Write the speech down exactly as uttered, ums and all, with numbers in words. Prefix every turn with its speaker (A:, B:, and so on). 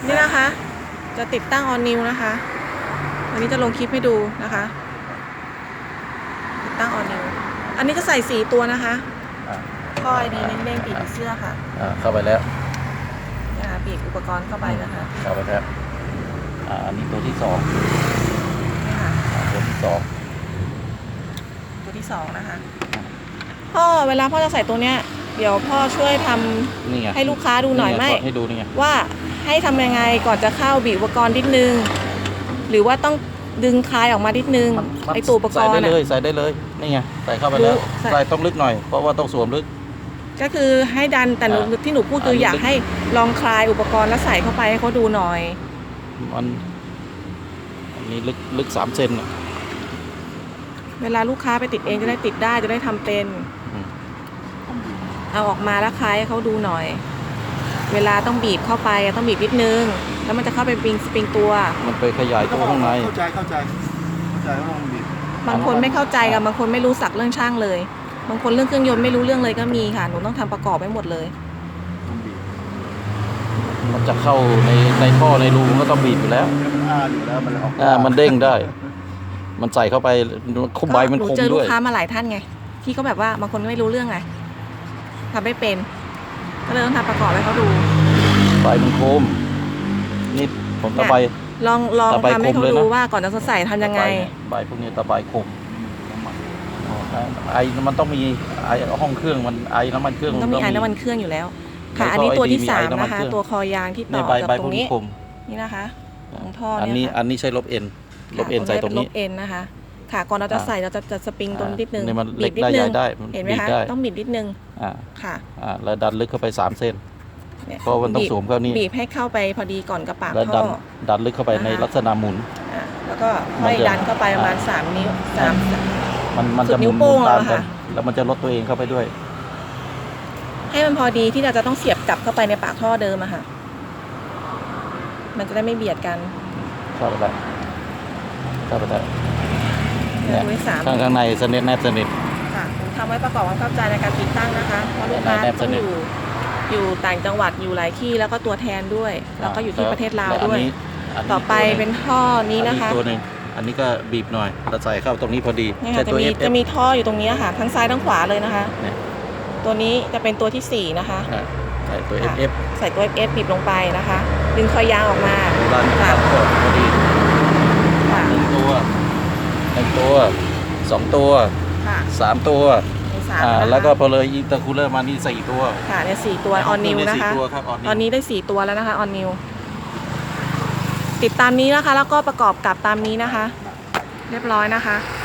A: นี่นะคะ จะติดตั้งออนนิวนะคะวันนี้จะลงคลิปให้ดูนะคะติดตั้งออนนิวอันนี้จะใส่สีตัวนะคะข้อไอดีเด้งๆปีกเสื้อค่ะ
B: อ่าเข้าไปแล้ว
A: นะคะปีกอุปกรณ์เข้าไปนะคะ
B: เข้าไปแล้วอ่าอันนี้ตัวที่สอง
A: นี่ค่ะ
B: ตัวที่สอง
A: ตัวที่สองนะคะพ่อเวลาพ่อจะใส่ตัวเนี้ยเดี๋ยวพ่อช่วยทำให้ลูกค้าดูหน่อยไหม
B: ให้ดูนี่ไง
A: ว่าให้ทำยังไงก่อนจะเข้าบีบอุปกรณ์นิดนึงหรือว่าต้องดึงคลายออกมานิดนึงไอตัวอุปกรณ์ใส่
B: ได้เลยใส่ได้เลยนี่ไงใส่เข้าไปแล้วใส่ต้องลึกหน่อยเพราะว่าต้องสวมลึก
A: ก็คือให้ดันแต่ที่หนูพูดคืออยากให้ลองคลายอุปกรณ์แล้วใส่เข้าไปให้เขาดูหน่อย
B: มันอันนี้ลึกลึกสามเซน
A: เวลาลูกค้าไปติดเองจะได้ติดได้จะได้ทำเป็นเอาออกมาแล้วคลายให้เขาดูหน่อยเวลาต้องบีบเข้าไปต้องบีบนิดนึงแล้วมันจะเข้าไปปริงสปริงตัว
B: มันไปขยายตัวข้างใน
C: เข้าใจเข้าใจเข้าใจว่ามันบีบบ
A: างคนไม่เข้าใจกับบางคนไม่รู้สักเรื่องช่างเลยบางคนเรื่องเครื่องยนต์ไม่รู้เรื่องเลยก็มีค่ะหนูต้องทำประกอบไว้หมดเลย
B: มันจะเข้าในในท่อในรูมันก็ต้องบีบอยู่แล้ว
C: มันอ้าอยู่แล้วมันออก
B: อ่ามันเด้งได้มันใส่เข้าไปคุ้มใบมันคมด้วย
A: เจอลูกค้ามาหลายท่านไงที่เขาแบบว่าบางคนไม่รู้เรื่องไงทำไม่เป็นก็เลยต้องทำประกอบให้เขาดู
B: ใบมันคมนี่ผมตะไบ
A: ลองลองทำให้เขาดูว่าก่อนจะใส่ทำยังไง
B: ใบพวกนี้ตะไบคมไอมันต้องมีไอห้องเครื่องมันไอน้ำมันเครื่อง
A: ต้องมีไอน้ำมันเครื่องอยู่แล้วค่ะอันนี้ตัวที่สามนะคะตัวคอยางที่ต่อกับตรงนี้นี่นะคะของท่อ
B: อันนี้อันนี้ใช้ลบเอ็นลบเอ็นใส่ตรงนี้
A: ลบเอ็นนะคะค่ะก่อนเราจะใส่เราจะจะสปริงตรงนิดนึง
B: บีบนิดนึง
A: เห็นไหมคะต้องบีบนิดนึง
B: อ่า
A: ค่ะ
B: อ่าแล้วดันลึกเข้าไปสามเส้นเพราะมันต้องสวมเข้านี่
A: บีบให้เข้าไปพอดีก่อนกับปาก
B: ท่อดันลึกเข้าไปในลักษณะหมุน
A: แล้วก็ค่อยดันเข้าไปประมาณสามนิ้วสาม
B: มันมันจะหมุนตามกันแล้วมันจะลดตัวเองเข้าไปด้วย
A: ให้มันพอดีที่เราจะต้องเสียบกลับเข้าไปในปากท่อเดิมอะค่ะมันจะได้ไม่เบียดกัน
B: เข้าไปได้เข้าไปได้
A: ข้าง
B: ข้างในสนิทแนบสนิท
A: ค่ะผมทำไว้ประกอบความเข้าใจในการติดตั้งนะคะเพราะลูกค้าต้องอยู่อยู่ต่างจังหวัดอยู่หลายที่แล้วก็ตัวแทนด้วยแล้วก็อยู่ที่ประเทศลาวด้วยต่อไปเป็นท่อนี้นะคะ
B: ตัวหนึ่งอันนี้ก็บีบหน่อยเราใส่เข้าตรงนี้พอดี
A: จะมีจะมีท่ออยู่ตรงนี้ค่ะทั้งซ้ายทั้งขวาเลยนะคะตัวนี้จะเป็นตัวที่สี่นะคะ
B: ใส่ตัว เอฟ เอฟ
A: ใส่ตัว เอฟ เอฟ บีบลงไปนะคะดึงคอยยางออกมา
B: ค่ะพอดีหนึ่งตัวหนึ่งตัวสองตัวสามตัวอ่าแล้วก็พอเลยอินเตอร์คูลเลอร์มานี่สี่ตัว
A: ค่ะเนี่ยสี่ตัวออนนิวนะคะตอนนี้ได้สี่ตัวแล้วนะคะออนนิวติดตามนี้นะคะแล้วก็ประกอบกับตามนี้นะคะเรียบร้อยนะคะ